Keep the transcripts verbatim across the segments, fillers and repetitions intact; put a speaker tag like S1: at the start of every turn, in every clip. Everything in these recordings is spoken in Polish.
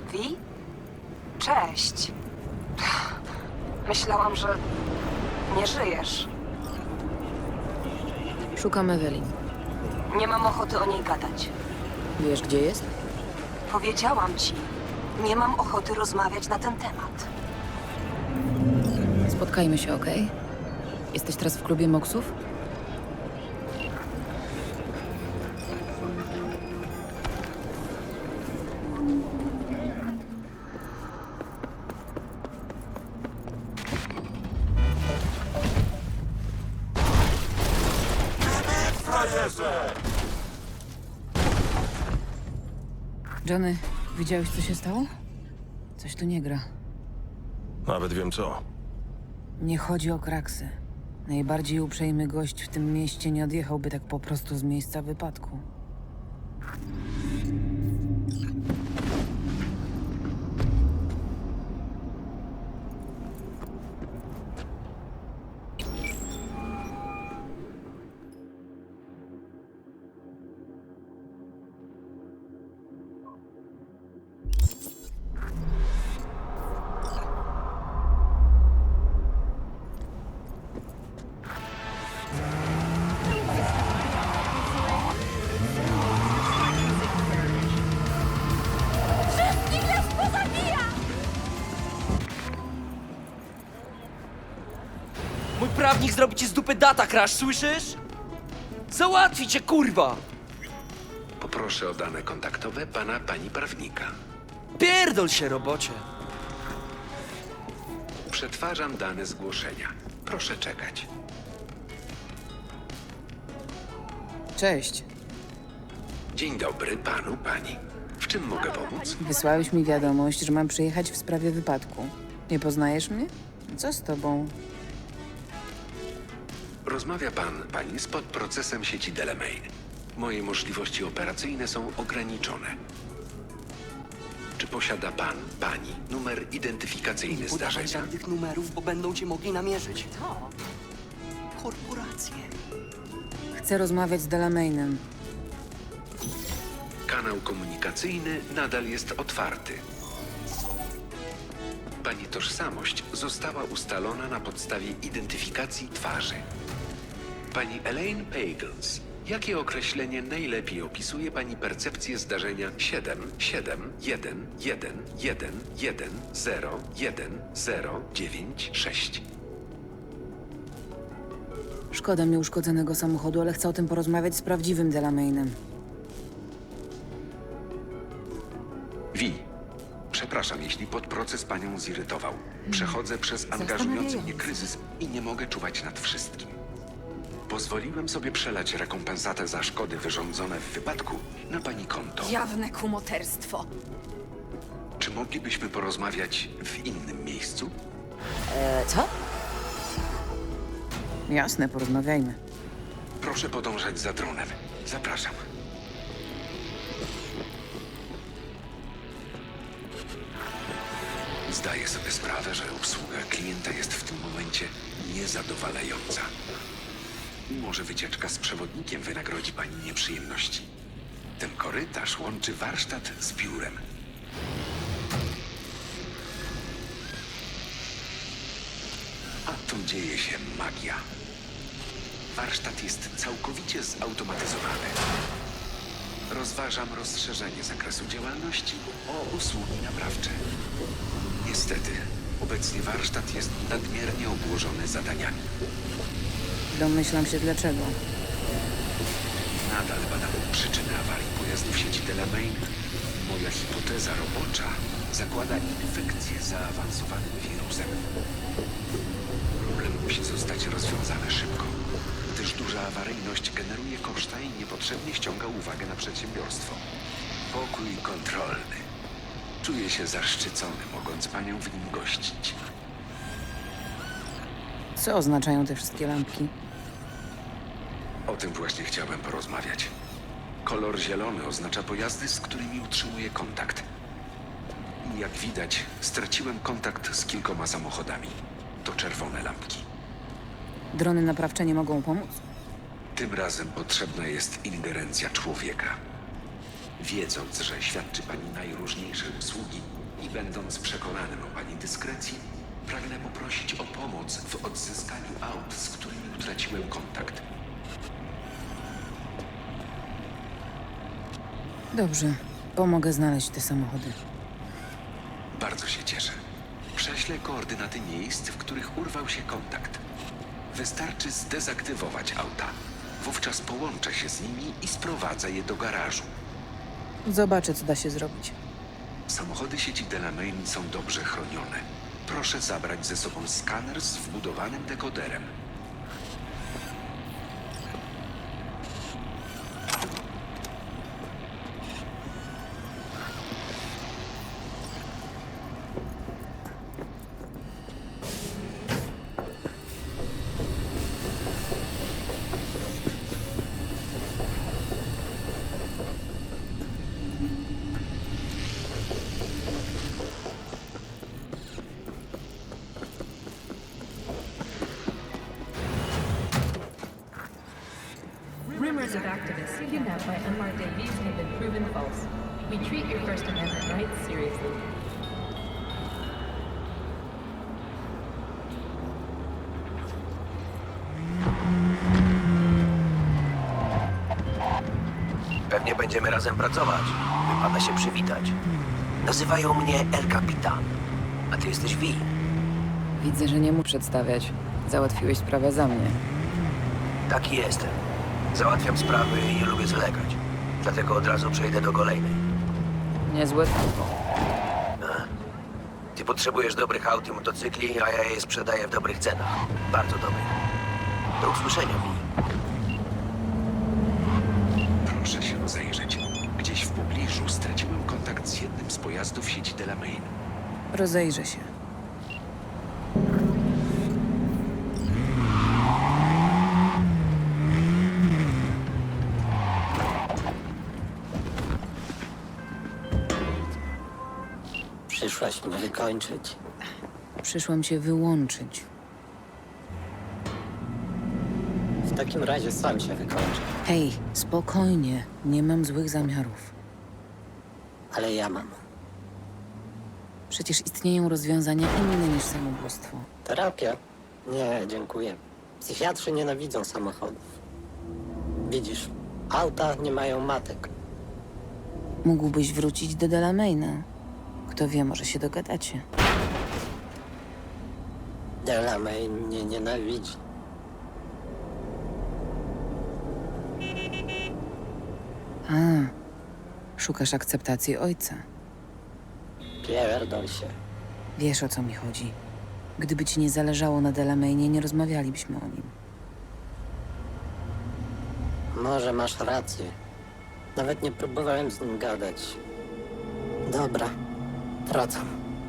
S1: Wi? Cześć. Myślałam, że nie żyjesz.
S2: Szukam Evelyn.
S1: Nie mam ochoty o niej gadać.
S2: Wiesz, gdzie jest?
S1: Powiedziałam ci, nie mam ochoty rozmawiać na ten temat.
S2: Spotkajmy się, okej? Jesteś teraz w klubie Moksów? Johnny, widziałeś, co się stało? Coś tu nie gra.
S3: Nawet wiem co.
S2: Nie chodzi o kraksy. Najbardziej uprzejmy gość w tym mieście nie odjechałby tak po prostu z miejsca wypadku.
S4: Mój prawnik zrobi ci z dupy data crash, słyszysz? Załatwi cię, kurwa!
S5: Poproszę o dane kontaktowe pana, pani prawnika.
S4: Pierdol się, robocie!
S5: Przetwarzam dane zgłoszenia. Proszę czekać.
S2: Cześć.
S5: Dzień dobry panu, pani. W czym mogę pomóc?
S2: Wysłałeś mi wiadomość, że mam przyjechać w sprawie wypadku. Nie poznajesz mnie? Co z tobą?
S5: Rozmawia pan, pani, z podprocesem sieci Delamain. Moje możliwości operacyjne są ograniczone. Czy posiada pan, pani, numer identyfikacyjny
S4: Nie podawaj
S5: zdarzenia?
S4: żadnych numerów, bo będą cię mogli namierzyć. To? Korporacje.
S2: Chcę rozmawiać z Delamainem.
S5: Kanał komunikacyjny nadal jest otwarty. Pani tożsamość została ustalona na podstawie identyfikacji twarzy. Pani Elaine Pagels, jakie określenie najlepiej opisuje pani percepcję zdarzenia siedem siedem jeden jeden jeden jeden zero jeden zero dziewięć sześć?
S2: Szkoda mi uszkodzonego samochodu, ale chcę o tym porozmawiać z prawdziwym Delamainem.
S5: Wi, przepraszam, jeśli podproces panią zirytował. Przechodzę przez angażujący mnie kryzys i nie mogę czuwać nad wszystkim. Pozwoliłem sobie przelać rekompensatę za szkody wyrządzone w wypadku na pani konto.
S6: Jawne kumoterstwo.
S5: Czy moglibyśmy porozmawiać w innym miejscu?
S6: E, co?
S2: Jasne, porozmawiajmy.
S5: Proszę podążać za dronem. Zapraszam. Zdaję sobie sprawę, że obsługa klienta jest w tym momencie niezadowalająca. Może wycieczka z przewodnikiem wynagrodzi pani nieprzyjemności. Ten korytarz łączy warsztat z biurem. A tu dzieje się magia. Warsztat jest całkowicie zautomatyzowany. Rozważam rozszerzenie zakresu działalności o usługi naprawcze. Niestety, obecnie warsztat jest nadmiernie obłożony zadaniami.
S2: Domyślam się dlaczego.
S5: Nadal badam przyczyny awarii pojazdu w sieci Delamain. Moja hipoteza robocza zakłada infekcję zaawansowanym wirusem. Problem musi zostać rozwiązany szybko, gdyż duża awaryjność generuje koszta i niepotrzebnie ściąga uwagę na przedsiębiorstwo. Pokój kontrolny. Czuję się zaszczycony, mogąc panią w nim gościć.
S2: Co oznaczają te wszystkie lampki?
S5: O tym właśnie chciałem porozmawiać. Kolor zielony oznacza pojazdy, z którymi utrzymuję kontakt. I jak widać, straciłem kontakt z kilkoma samochodami. To czerwone lampki.
S2: Drony naprawcze nie mogą pomóc?
S5: Tym razem potrzebna jest ingerencja człowieka. Wiedząc, że świadczy pani najróżniejsze usługi i będąc przekonanym o pani dyskrecji, pragnę poprosić o pomoc w odzyskaniu aut, z którymi utraciłem kontakt.
S2: Dobrze, pomogę znaleźć te samochody.
S5: Bardzo się cieszę. Prześlę koordynaty miejsc, w których urwał się kontakt. Wystarczy zdezaktywować auta. Wówczas połączę się z nimi i sprowadzę je do garażu.
S2: Zobaczę, co da się zrobić.
S5: Samochody sieci Delamain są dobrze chronione. Proszę zabrać ze sobą skaner z wbudowanym dekoderem.
S7: Rumors of activists kidnapped by unmarked A Vs have been proven false. We treat your First Amendment rights seriously.
S8: Pewnie będziemy razem pracować. Wypada się przywitać. Nazywają mnie El Capitan, a ty jesteś Vi.
S2: Widzę, że nie mu przedstawiać. Załatwiłeś sprawę za mnie.
S8: Taki jestem. Załatwiam sprawy i nie lubię zalegać. Dlatego od razu przejdę do kolejnej.
S2: Niezłe tempo.
S8: A? Ty potrzebujesz dobrych aut i motocykli, a ja je sprzedaję w dobrych cenach. Bardzo dobrych. Do usłyszenia, Vi.
S5: Proszę się rozejrzeć. Gdzieś w pobliżu straciłem kontakt z jednym z pojazdów sieci Delamain.
S2: Rozejrzę się.
S9: Przyszłaś mnie wykończyć.
S2: Przyszłam cię wyłączyć.
S9: W takim razie sam się wykończę.
S2: Hej, spokojnie. Nie mam złych zamiarów.
S9: Ale ja mam.
S2: Przecież istnieją rozwiązania inne niż samobójstwo.
S9: Terapia? Nie, dziękuję. Psychiatrzy nienawidzą samochodów. Widzisz, auta nie mają matek.
S2: Mógłbyś wrócić do Delamaina. Kto wie, może się dogadacie.
S9: Delamain mnie nienawidzi.
S2: A, szukasz akceptacji ojca.
S9: Pierdol się.
S2: Wiesz, o co mi chodzi. Gdyby ci nie zależało na Delamainie, nie rozmawialibyśmy o nim.
S9: Może masz rację. Nawet nie próbowałem z nim gadać. Dobra, wracam.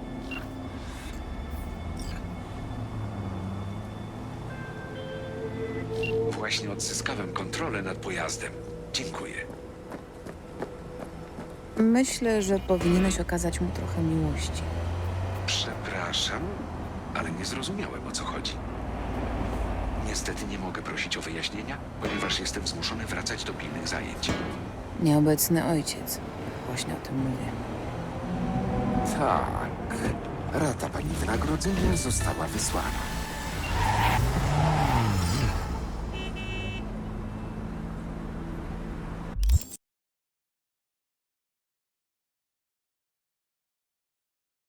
S5: Właśnie odzyskałem kontrolę nad pojazdem. Dziękuję.
S2: Myślę, że powinieneś okazać mu trochę miłości.
S5: Przepraszam, ale nie zrozumiałem, o co chodzi. Niestety nie mogę prosić o wyjaśnienia, ponieważ jestem zmuszony wracać do pilnych zajęć.
S2: Nieobecny ojciec. Właśnie o tym mówię.
S10: Tak. Rata pani wynagrodzenia została wysłana.